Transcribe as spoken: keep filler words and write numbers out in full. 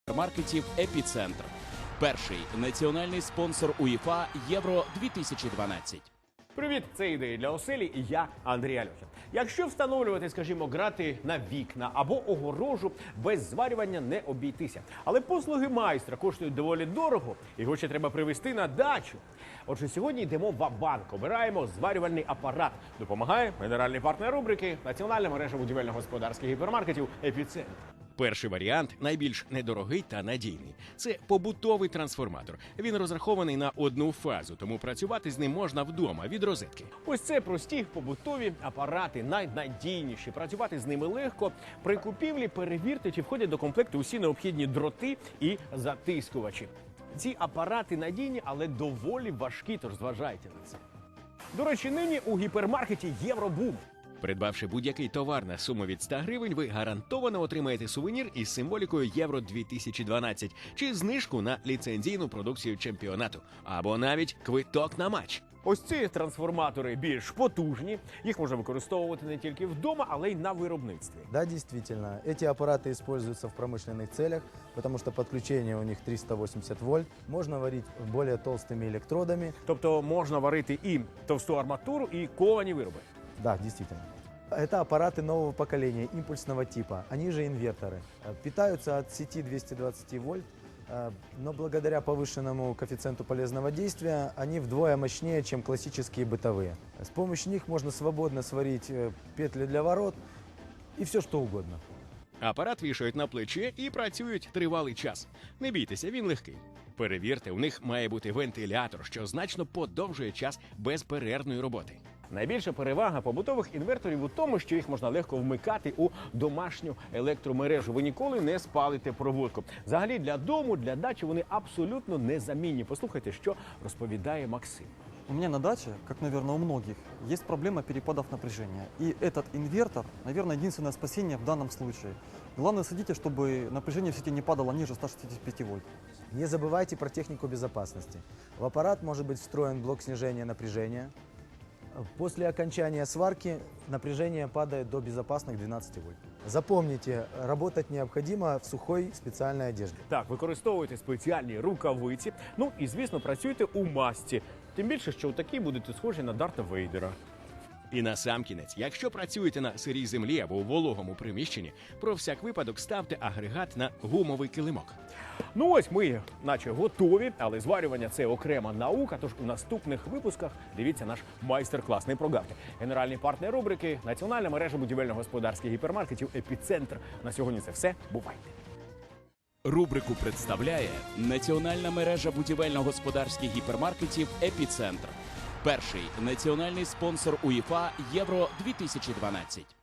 Маркетів «Епіцентр». Перший національний спонсор УЄФА Євро дві тисячі дванадцять. Привіт, це ідеї для оселі і я, Андрій Альохін. Якщо встановлювати, скажімо, грати на вікна або огорожу, без зварювання не обійтися. Але послуги майстра коштують доволі дорого, його ще треба привезти на дачу. Отже, сьогодні йдемо ва-банк, обираємо зварювальний апарат. Допомагає генеральний партнер рубрики Національна мережа будівельно-господарських гіпермаркетів «Епіцентр». Перший варіант найбільш недорогий та надійний. Це побутовий трансформатор. Він розрахований на одну фазу, тому працювати з ним можна вдома від розетки. Ось це прості побутові апарати, найнадійніші. Працювати з ними легко. При купівлі перевірте, чи входять до комплекту усі необхідні дроти і затискувачі. Ці апарати надійні, але доволі важкі, тож зважайте на це. До речі, нині у гіпермаркеті «Євробум». Придбавши будь-який товар на суму від ста гривень, ви гарантовано отримаєте сувенір із символікою Євро дві тисячі дванадцять чи знижку на ліцензійну продукцію чемпіонату, або навіть квиток на матч. Ось ці трансформатори більш потужні. Їх можна використовувати не тільки вдома, але й на виробництві. Да, действительно. Эти аппараты используются в промышленных целях, потому что подключение у них триста восемьдесят вольт. Можно варить более толстыми электродами. Тобто можна варити і товсту арматуру, і ковані вироби. Да, действительно. Это аппараты нового поколения, импульсного типа. Они же инверторы. Э, Питаются от сети двести двадцать вольт, э, но благодаря повышенному коэффициенту полезного действия они вдвое мощнее, чем классические бытовые. С помощью них можно свободно сварить э, петли для ворот и все что угодно. Апарат вішають на плече і працюють тривалий час. Не бійтеся, він легкий. Перевірте, у них має бути вентилятор, що значно подовжує час безперервної роботи. Найбільша перевага побутових інверторів у тому, що їх можна легко вмикати у домашню електромережу. Ви ніколи не спалите проводку. Взагалі для дому, для дачі вони абсолютно незамінні. Послухайте, що розповідає Максим. У меня на даче, как, наверное, у многих, есть проблема перепадов напряжения. И этот инвертор, наверное, единственное спасение в данном случае. Главное, следите, чтобы напряжение в сети не падало ниже ста шестидесяти пяти вольт. Не забывайте про технику безопасности. В аппарат может быть встроен блок снижения напряжения. После окончания сварки напряжение падает до безопасных двенадцати вольт. Запомните, работать необходимо в сухой специальной одежде. Так, використовуйте спеціальні рукавиці, ну і, звісно, працюйте у масці. Тим більше, що у такій будете схожі на Дарта Вейдера. І насамкінець, якщо працюєте на сирій землі або у вологому приміщенні, про всяк випадок ставте агрегат на гумовий килимок. Ну ось ми наче готові, але зварювання – це окрема наука, тож у наступних випусках дивіться наш майстер-клас. Не прогавте. Генеральний партнер рубрики – Національна мережа будівельно-господарських гіпермаркетів «Епіцентр». На сьогодні це все. Бувайте! Рубрику представляє Національна мережа будівельно-господарських гіпермаркетів «Епіцентр». Перший національний спонсор УЄФА Євро дві тисячі дванадцять.